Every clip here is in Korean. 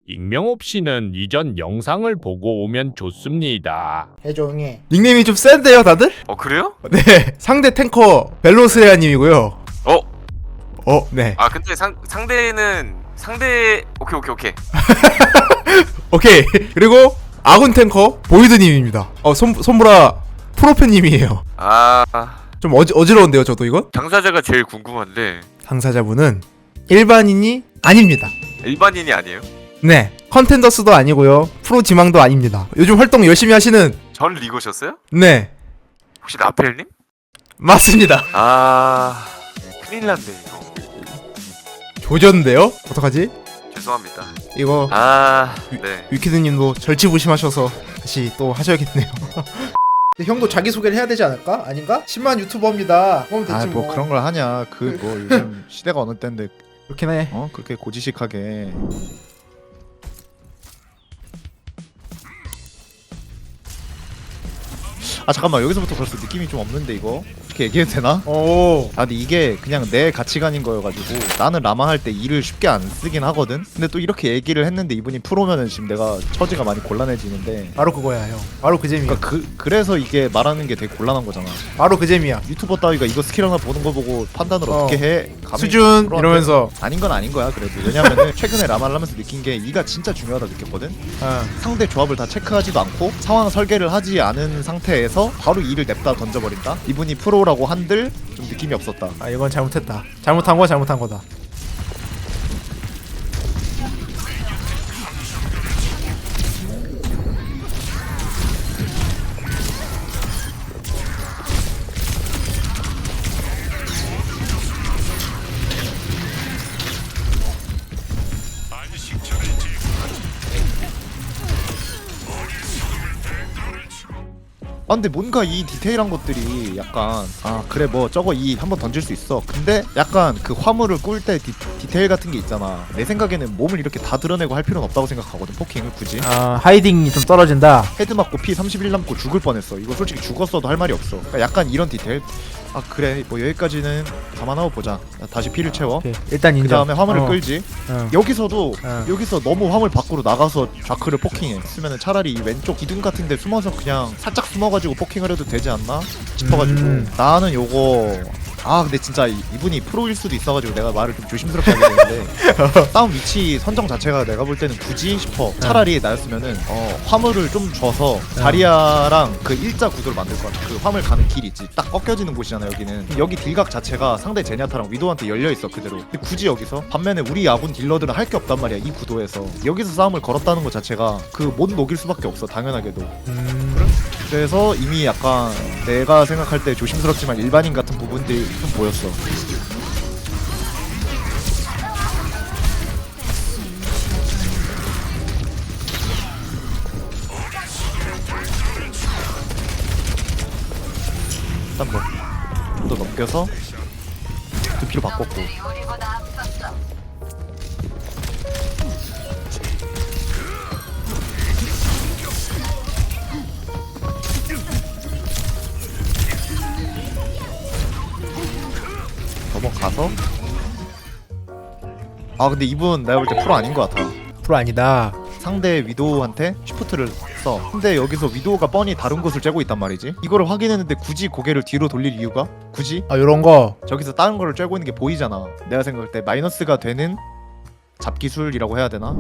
익명 없이는 이전 영상을 보고 오면 좋습니다. 해종이 닉네임이 좀 센데요 다들? 그래요? 네 상대 탱커 벨로스레아님이고요. 네 근데 상대는 오케이. 오케이. 그리고 아군 탱커 보이드님입니다. 손보라 프로페님이에요. 좀 어지러운데요 저도 이건? 당사자가 제일 궁금한데 당사자분은 일반인이 아닙니다. 일반인이 아니에요? 네 컨텐더스도 아니고요 프로 지망도 아닙니다. 요즘 활동 열심히 하시는 전 리거셨어요? 네 혹시 나펠님? 맞습니다. 큰일 났네 이거. 조졌는데요? 어떡하지? 죄송합니다. 이거 네. 위키드님도 절치부심하셔서 다시 또 하셔야겠네요. 근데 형도 자기소개를 해야 되지 않을까? 아닌가? 10만 유튜버입니다. 그러면 됐지 뭐 그런 걸 하냐. 그 뭐 요즘 시대가 어느 때인데 그렇긴 해. 그렇게 고지식하게. 잠깐만, 여기서부터 벌써 느낌이 좀 없는데 이거 어떻게 얘기해도 되나? 근데 이게 그냥 내 가치관인 거여가지고 나는 라마 할 때 일을 쉽게 안 쓰긴 하거든. 근데 또 이렇게 얘기를 했는데 이분이 프로면은 지금 내가 처지가 많이 곤란해지는데. 바로 그거야 형. 바로 그 재미야. 그러니까 그래서 이게 말하는 게 되게 곤란한 거잖아. 바로 그 재미야. 유튜버 따위가 이거 스킬 하나 보는 거 보고 판단을 어떻게 해? 감히 수준 프로한테 이러면서 아닌 건 아닌 거야. 그래도 왜냐면은 최근에 라마를 하면서 느낀 게 이가 진짜 중요하다 느꼈거든. 상대 조합을 다 체크하지도 않고 상황 설계를 하지 않은 상태에서 바로 이를 냅다 던져버린다. 이분이 프로라고 한들 좀 느낌이 없었다. 이건 잘못했다. 잘못한 거야 잘못한 거다. 근데 뭔가 이 디테일한 것들이 약간 그래 뭐 저거 이 한번 던질 수 있어. 근데 약간 그 화물을 꿀 때 디테일 같은 게 있잖아. 내 생각에는 몸을 이렇게 다 드러내고 할 필요는 없다고 생각하거든. 포킹을 굳이 하이딩이 좀 떨어진다. 헤드 맞고 피 31 남고 죽을 뻔했어. 이거 솔직히 죽었어도 할 말이 없어. 그러니까 약간 이런 디테일. 그래 뭐 여기까지는 감안하고 보자. 다시 피를 채워. 오케이. 일단 그 인정. 다음에 화물을 끌지. 여기서도 어. 여기서 너무 화물 밖으로 나가서 좌크를 포킹해. 쓰면은 차라리 이 왼쪽 기둥 같은데 숨어서 그냥 살짝 숨어가지고 포킹을 해도 되지 않나 싶어가지고 나는 요거 근데 진짜 이분이 프로일 수도 있어가지고 내가 말을 좀 조심스럽게 하게 되는데 싸움 위치 선정 자체가 내가 볼 때는 굳이 싶어. 차라리 나였으면은 화물을 좀 줘서 자리아랑 그 일자 구도를 만들 것 같아. 그 화물 가는 길 있지. 딱 꺾여지는 곳이잖아 여기는. 여기 딜각 자체가 상대 제냐타랑 위도한테 열려있어 그대로. 근데 굳이 여기서 반면에 우리 야군 딜러들은 할 게 없단 말이야 이 구도에서. 여기서 싸움을 걸었다는 것 자체가 그 못 녹일 수밖에 없어 당연하게도. 그래서 이미 약간 내가 생각할 때 조심스럽지만 일반인 같은 부분들이 좀 보였어. 일단 뭐 좀 더 넘겨서 두피로 바꿨고. 넘어가서 근데 이분 내가 볼 때 프로 아닌 것 같아. 프로 아니다. 상대 위도우한테 쉬프트를 써. 근데 여기서 위도우가 뻔히 다른 곳을 째고 있단 말이지. 이거를 확인했는데 굳이 고개를 뒤로 돌릴 이유가? 굳이? 요런 거. 저기서 다른 거를 째고 있는 게 보이잖아. 내가 생각할 때 마이너스가 되는 잡기술이라고 해야 되나?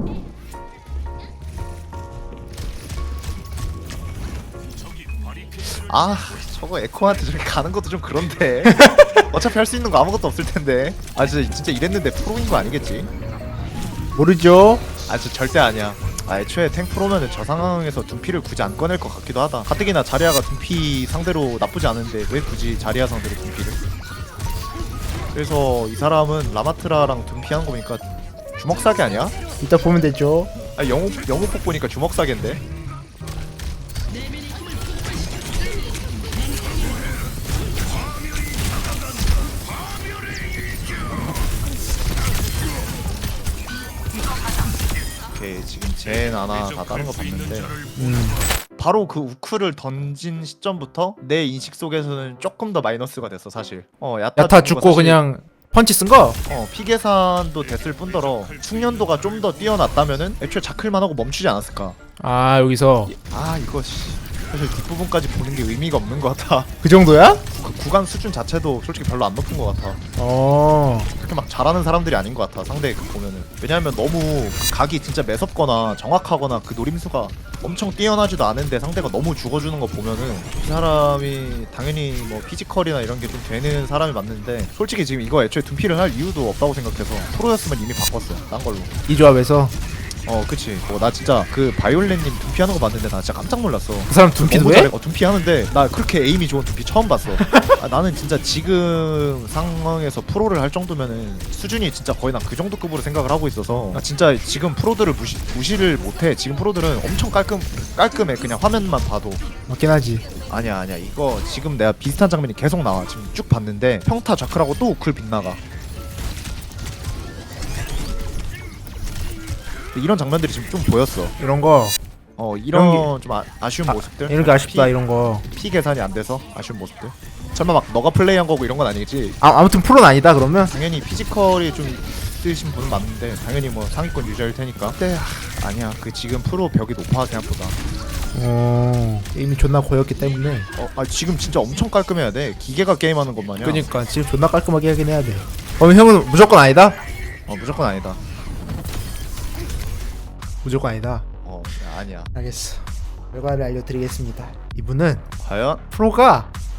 저거 에코한테 저렇게 가는 것도 좀 그런데. 어차피 할 수 있는 거 아무것도 없을 텐데. 진짜 이랬는데 프로인 거 아니겠지? 모르죠. 저 절대 아니야. 애초에 탱 프로면은 저 상황에서 둔피를 굳이 안 꺼낼 것 같기도 하다. 가뜩이나 자리아가 둔피 상대로 나쁘지 않은데 왜 굳이 자리아 상대로 둔피를? 그래서 이 사람은 라마트라랑 둔피 하는 거 보니까 주먹사기 아니야? 이따 보면 되죠. 영웅폭 보니까 주먹사기인데? 오케이, 지금 젠 하나 다 다른 거 봤는데 바로 그 우크를 던진 시점부터 내 인식 속에서는 조금 더 마이너스가 됐어 사실. 야타 야타 죽은 거 죽고 사실 그냥 펀치 쓴 거? 피 계산도 됐을 뿐더러 숙련도가 좀 더 뛰어났다면은 애초에 자클만 하고 멈추지 않았을까. 아 여기서 아 이거 사실 뒷부분까지 보는 게 의미가 없는 것 같아. 그 정도야? 그 구간 수준 자체도 솔직히 별로 안 높은 것 같아. 어. 그렇게 막 잘하는 사람들이 아닌 것 같아 상대 그 보면은. 왜냐하면 너무 그 각이 진짜 매섭거나 정확하거나 그 노림수가 엄청 뛰어나지도 않은데 상대가 너무 죽어주는 거 보면은 이 사람이 당연히 뭐 피지컬이나 이런 게 좀 되는 사람이 맞는데 솔직히 지금 이거 애초에 둔피를 할 이유도 없다고 생각해서 프로였으면 이미 바꿨어 딴 걸로. 이 조합에서 그치. 나 진짜 그 바이올렛님 둔피 하는 거 봤는데 나 진짜 깜짝 놀랐어. 그 사람 둔피도 너무 해? 잘해. 둔피 하는데 나 그렇게 에임이 좋은 둔피 처음 봤어. 나는 진짜 지금 상황에서 프로를 할 정도면은 수준이 진짜 거의 난 그 정도 급으로 생각을 하고 있어서 나 진짜 지금 프로들을 무시를 못해. 지금 프로들은 엄청 깔끔해. 그냥 화면만 봐도. 맞긴 하지. 아니야 이거 지금 내가 비슷한 장면이 계속 나와. 지금 쭉 봤는데 평타 좌클하고 또 우클 빗나가. 이런 장면들이 지금 좀 보였어. 이런 거 이런 좀 아쉬운 모습들. 이런 게 아쉽다. 이런 거. 피 계산이 안 돼서 아쉬운 모습들. 설마 막 너가 플레이한 거고 이런 건 아니겠지? 아무튼 프로는 아니다 그러면? 당연히 피지컬이 좀 있으신 분은 맞는데 당연히 뭐 상위권 유저일 테니까. 근데 아니야 그 지금 프로 벽이 높아 생각보다. 이미 존나 고였기 때문에. 지금 진짜 엄청 깔끔해야 돼. 기계가 게임하는 것 마냥. 그니까 지금 존나 깔끔하게 하긴 해야 돼. 그럼 형은 무조건 아니다? 무조건 아니다. 무조건 아니다. 아니야. 알겠어. 결과를 알려드리겠습니다. 이분은 과연 프로가